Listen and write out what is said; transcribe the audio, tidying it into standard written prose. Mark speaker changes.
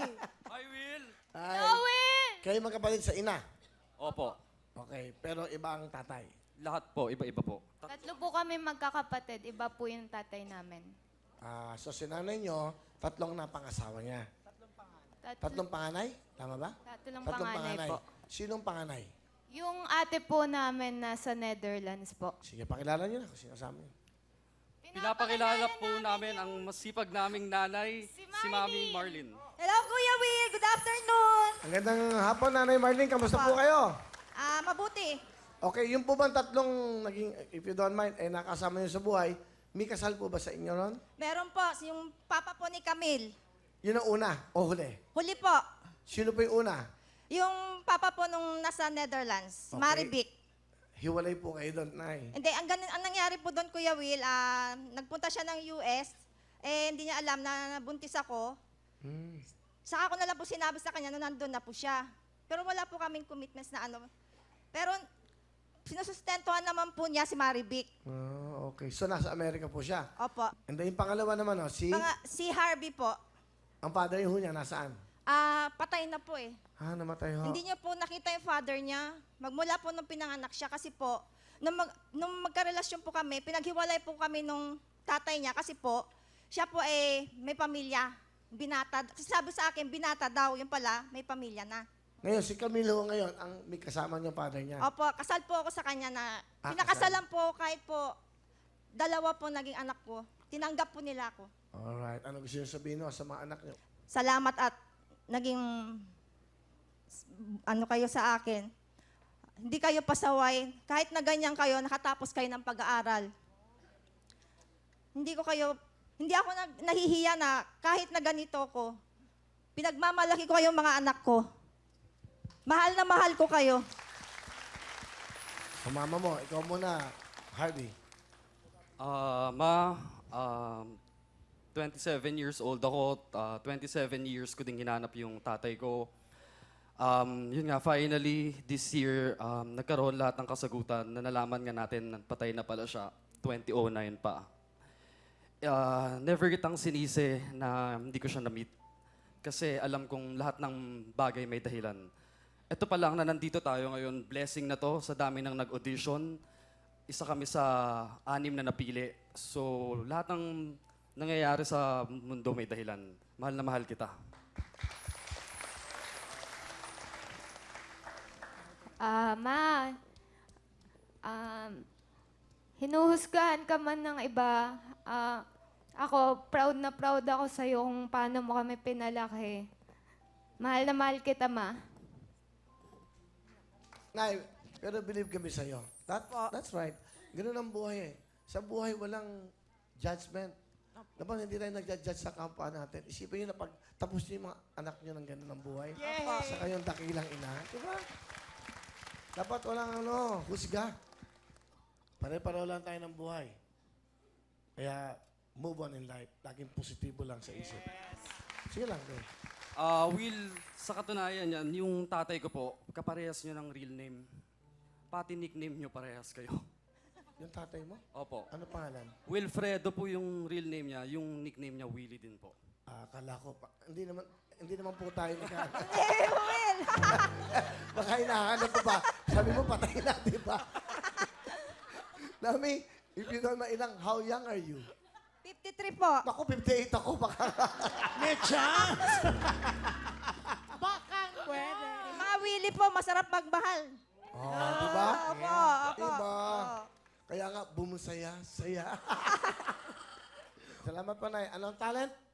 Speaker 1: Hi, Will!
Speaker 2: Ay,
Speaker 3: Owen!
Speaker 2: kayo magkapatid sa ina.
Speaker 1: Opo.
Speaker 2: Okay, pero iba ang tatay.
Speaker 1: Lahat po, iba-iba po.
Speaker 3: Tatlo po kami magkakapatid. Iba po yung tatay namin.
Speaker 2: So si nanay nyo, tatlong na pangasawa niya. Tatlong panganay? Tama ba?
Speaker 3: Tatlong panganay po.
Speaker 2: Sinong panganay?
Speaker 3: Yung ate po namin nasa Netherlands po.
Speaker 2: Sige, pakilala nyo na kung sino kasama nyo.
Speaker 1: Pinapakilala po namin ang masipag naming nanay, si Mami Marlin.
Speaker 4: Hello, Kuya Will. Good afternoon.
Speaker 2: Ang gandang hapon, Nanay Marlene. Kamusta po kayo?
Speaker 4: Mabuti.
Speaker 2: Okay, yung po bang tatlong naging, if you don't mind, nakasama nyo sa buhay, may kasal po ba sa inyo ron?
Speaker 4: Meron po, yung papa po ni Camille.
Speaker 2: Yun ang una o huli?
Speaker 4: Huli po.
Speaker 2: Sino po yung una?
Speaker 4: Yung papa po nung nasa Netherlands,
Speaker 2: Okay.
Speaker 4: Marivic.
Speaker 2: Hiwalay po kayo doon, Nay.
Speaker 4: Hindi, ang nangyari po doon, Kuya Will, nagpunta siya ng US, hindi niya alam na nabuntis ako. Saka ko na lang po sinabi sa kanya na nandun na po siya. Pero wala po kaming commitments na ano. Pero sinusustentuhan naman po niya si Marivic.
Speaker 2: Okay. So, nasa Amerika po siya.
Speaker 4: Opo.
Speaker 2: And then, yung pangalawa naman, si...
Speaker 4: Si Harvey po,
Speaker 2: Ang father yung niya, nasaan?
Speaker 4: patay na po eh.
Speaker 2: Namatay ho.
Speaker 4: Hindi niya po nakita yung father niya. Magmula po nung pinanganak siya kasi po, nung magkarelasyon po kami, pinaghiwalay po kami nung tatay niya kasi po, siya po may pamilya. Binata. Sabi sa akin, binata daw. Yung pala, may pamilya na.
Speaker 2: Ngayon, si Camilo ngayon, ang may kasama niyong father niya.
Speaker 4: Opo, kasal po ako sa kanya na,
Speaker 2: Ah,
Speaker 4: pinakasalan po kahit po, dalawa po naging anak ko. Tinanggap po nila ako.
Speaker 2: Alright. Ano gusto niyo sabihin no, sa mga anak niyo?
Speaker 4: Salamat at naging ano kayo sa akin. Hindi kayo pasaway. Kahit na ganyan kayo, nakatapos kayo ng pag-aaral. Hindi ako nahihiya na kahit na ganito ko, pinagmamalaki ko kayong mga anak ko. Mahal na mahal ko kayo.
Speaker 2: Sa mama mo, ikaw muna, Harvey.
Speaker 1: Ma, 27 years old ako. 27 years ko ding hinanap yung tatay ko. Yun nga, finally, this year, nagkaroon lahat ng kasagutan na nalaman nga natin na patay na pala siya. 2009 pa. Never kitang sinisi na hindi ko siya na-meet. Kasi alam kong lahat ng bagay may dahilan. Ito pa lang na nandito tayo ngayon, blessing na to sa dami ng nag-audition. Isa kami sa 6 na napili. So, lahat ng nangyayari sa mundo may dahilan. Mahal na mahal kita.
Speaker 3: Ma, hinuhusgahan ka man ng iba. Ako, proud na proud ako sa'yo kung paano mo kami pinalaki. Mahal na mahal kita, Ma.
Speaker 2: Nay, pero believe kami sa'yo. That's right. Ganun ang buhay eh. Sa buhay, walang judgment. Dapat hindi tayo nag-judge sa kapwa natin. Isipin nyo na pag tapos nyo yung mga anak nyo ng ganun ang buhay. Sa kayong dakilang ina. Diba? Dapat walang husga. Pare-pareho lang tayo ng buhay. Kaya, move on in life. Laging positibo lang sa isip. Sige lang, bro.
Speaker 1: Will, sa katunayan yan, yung tatay ko po, kaparehas nyo ng real name. Pati nickname nyo parehas kayo.
Speaker 2: Yung tatay mo?
Speaker 1: Opo.
Speaker 2: Ano pangalan?
Speaker 1: Wilfredo po yung real name niya, yung nickname niya Willie din po.
Speaker 2: Akala ko pa. Hindi naman po tayo nagkakaroon. Baka hinahanap ko pa. Sabi mo, patay na, di ba? Nami, if you don't know ilang, how young are you?
Speaker 4: 53 po.
Speaker 2: Naku, 58 ako. Baka.
Speaker 5: May chance! Baka pwede.
Speaker 4: Mga Willie po, masarap magmahal.
Speaker 2: Di ba?
Speaker 4: Opo, opo.
Speaker 2: Diba? Kaya nga, bumusaya, saya. Salamat pa, Nay. Anong talent?